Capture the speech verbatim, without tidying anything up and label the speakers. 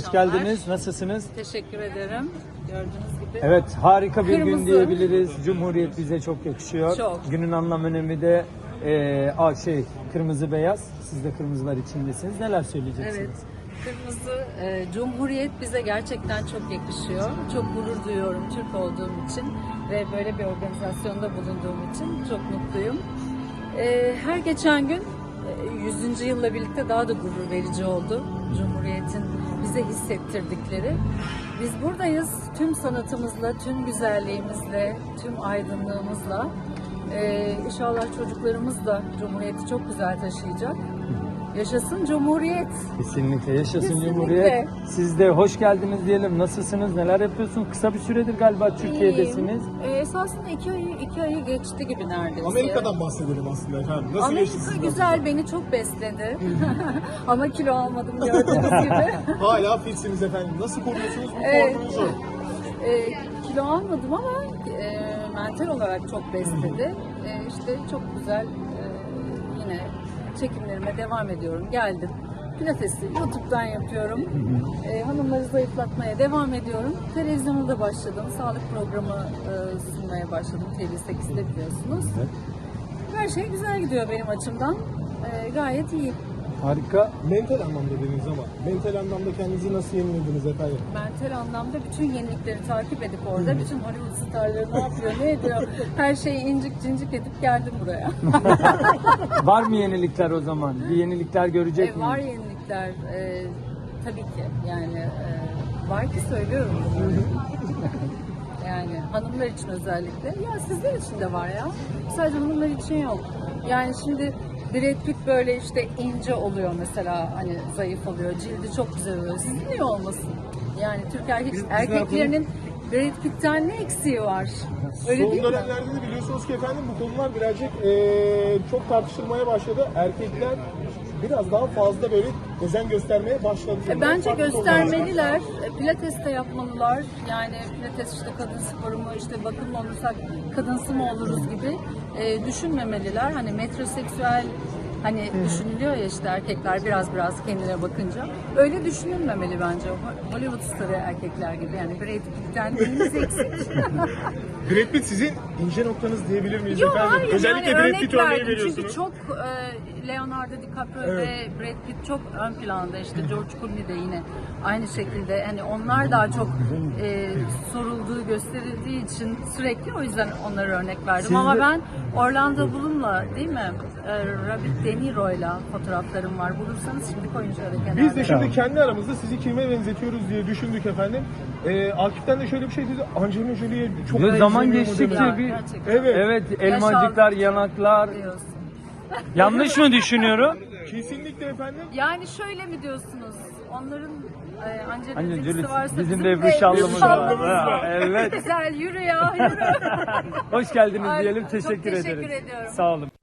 Speaker 1: Hoş geldiniz. Nasılsınız?
Speaker 2: Teşekkür ederim. Gördüğünüz gibi.
Speaker 1: Evet, harika bir
Speaker 2: Kırmızı.
Speaker 1: gün diyebiliriz. Cumhuriyet bize çok yakışıyor.
Speaker 2: Çok.
Speaker 1: Günün anlam önemi de e, a, şey kırmızı beyaz. Siz de kırmızılar içindesiniz. Neler söyleyeceksiniz?
Speaker 2: Evet. Kırmızı e, Cumhuriyet bize gerçekten çok yakışıyor. Çok gurur duyuyorum Türk olduğum için ve böyle bir organizasyonda bulunduğum için çok mutluyum. E, her geçen gün e, yüzüncü yılla birlikte daha da gurur verici oldu. Cumhuriyet'in bize hissettirdikleri. Biz buradayız tüm sanatımızla, tüm güzelliğimizle, tüm aydınlığımızla. E, inşallah çocuklarımız da Cumhuriyet'i çok güzel taşıyacak. Yaşasın Cumhuriyet.
Speaker 1: Kesinlikle yaşasın
Speaker 2: Kesinlikle.
Speaker 1: Cumhuriyet. Siz de hoş geldiniz diyelim. Nasılsınız? Neler yapıyorsunuz? Kısa bir süredir galiba Türkiye'desiniz.
Speaker 2: Ee, esasında iki ayı, iki ayı geçti gibi neredeyse.
Speaker 3: Amerika'dan bahsedelim aslında efendim. Nasıl geçti
Speaker 2: Amerika
Speaker 3: sizin
Speaker 2: güzel, beni çok besledi. Ama kilo almadım gördüğünüz gibi.
Speaker 3: Hala fitsiniz efendim. Nasıl koruyorsunuz bu
Speaker 2: Evet.
Speaker 3: formunuzu?
Speaker 2: Ee, kilo almadım ama e, mental olarak çok besledi. E, işte çok güzel e, yine çekimlerime devam ediyorum. Geldim. Pilatesi YouTube'dan yapıyorum. Ee, hanımları zayıflatmaya devam ediyorum. Televizyona da başladım. Sağlık programı e, sunmaya başladım. T V sekizde biliyorsunuz. Her şey güzel gidiyor benim açımdan. Ee, gayet iyi.
Speaker 1: Harika.
Speaker 3: Mental anlamda dediniz ama mental anlamda kendinizi nasıl yenilediniz efendim?
Speaker 2: Mental anlamda bütün yenilikleri takip edip orada bütün Hollywood starları ne yapıyor, ne ediyor, her şeyi incik cincik edip geldim buraya.
Speaker 1: Var mı yenilikler o zaman? Bir yenilikler görecek
Speaker 2: E,
Speaker 1: miyiz?
Speaker 2: var yenilikler. E, tabii ki. Yani e, var ki söylüyorum bunları. Yani hanımlar için özellikle. Ya sizler için de var ya. Sadece hanımlar için yok. Yani şimdi Brad Pitt böyle işte ince oluyor mesela, hani zayıf oluyor, cildi çok güzel oluyor. Sizin niye olmasın? Yani Türk erkek,
Speaker 3: Biz- biz ne
Speaker 2: erkeklerinin Brad Pitt'ten ne eksiği var? Öyle
Speaker 3: Son
Speaker 2: değil mi?
Speaker 3: dönemlerde de biliyorsunuz ki efendim bu konular birazcık eee, çok tartışılmaya başladı. Erkekler biraz daha fazla böyle özen göstermeye başladı.
Speaker 2: E, Bence
Speaker 3: Farklı
Speaker 2: göstermeliler. E, Pilates de yapmalılar. Yani pilates işte kadın sporu mu, işte bakım mı olursak kadınsı mı oluruz gibi e, düşünmemeliler. Hani metroseksüel hani düşünülüyor ya, işte erkekler biraz biraz kendine bakınca. Öyle düşünülmemeli bence. Hollywood starı erkekler gibi. Yani Brad Pitt'ten neyiniz eksik?
Speaker 3: Brad Pitt sizin ince noktanız diyebilir miyiz
Speaker 2: Yok
Speaker 3: efendim?
Speaker 2: hayır,
Speaker 3: Özellikle
Speaker 2: yani
Speaker 3: Brad Pitt
Speaker 2: örnek
Speaker 3: örneği
Speaker 2: verdim.
Speaker 3: veriyorsunuz.
Speaker 2: Çünkü çok e, Leonardo DiCaprio
Speaker 3: Evet.
Speaker 2: ve Brad Pitt çok ön planda, işte George Clooney de yine aynı şekilde, hani onlar daha çok e, sorulduğu gösterildiği için sürekli o yüzden onlara örnek verdim.
Speaker 1: Siz
Speaker 2: Ama
Speaker 1: de-
Speaker 2: ben Orlando Bloom'la değil mi? E, Robert De Niro'yla fotoğraflarım var. Bulursanız şimdi koyun şöyle kenarda.
Speaker 3: Biz de şimdi
Speaker 1: Tamam.
Speaker 3: kendi aramızda sizi kime benzetiyoruz diye düşündük efendim. Ee, Akif'ten de şöyle bir şey dedi. Angelina Jolie'ye çok
Speaker 1: Ve zaman
Speaker 3: benzemiyor mu
Speaker 1: geçtikçe
Speaker 3: dedi.
Speaker 1: bir-
Speaker 2: Gerçekten.
Speaker 3: Evet.
Speaker 1: Evet, elmacıklar,
Speaker 2: aldıkça
Speaker 1: yanaklar.
Speaker 2: diyorsun.
Speaker 1: Yanlış mı düşünüyorum?
Speaker 3: Kesinlikle efendim.
Speaker 2: Yani şöyle mi diyorsunuz? Onların e, Angelina
Speaker 1: Angelina
Speaker 2: Jolie'si
Speaker 1: Jolie,
Speaker 2: varsa
Speaker 1: bizim
Speaker 2: bizim
Speaker 1: de Ebru
Speaker 2: de
Speaker 1: Şallı'mız
Speaker 2: Şallı'mız
Speaker 1: var.
Speaker 2: var.
Speaker 1: Ha, evet.
Speaker 2: Güzel, yürü ya, yürü.
Speaker 1: Hoş geldiniz
Speaker 2: Ay,
Speaker 1: diyelim.
Speaker 2: çok
Speaker 1: Teşekkür
Speaker 2: teşekkür
Speaker 1: ederiz.
Speaker 2: ediyorum.
Speaker 1: Sağ olun.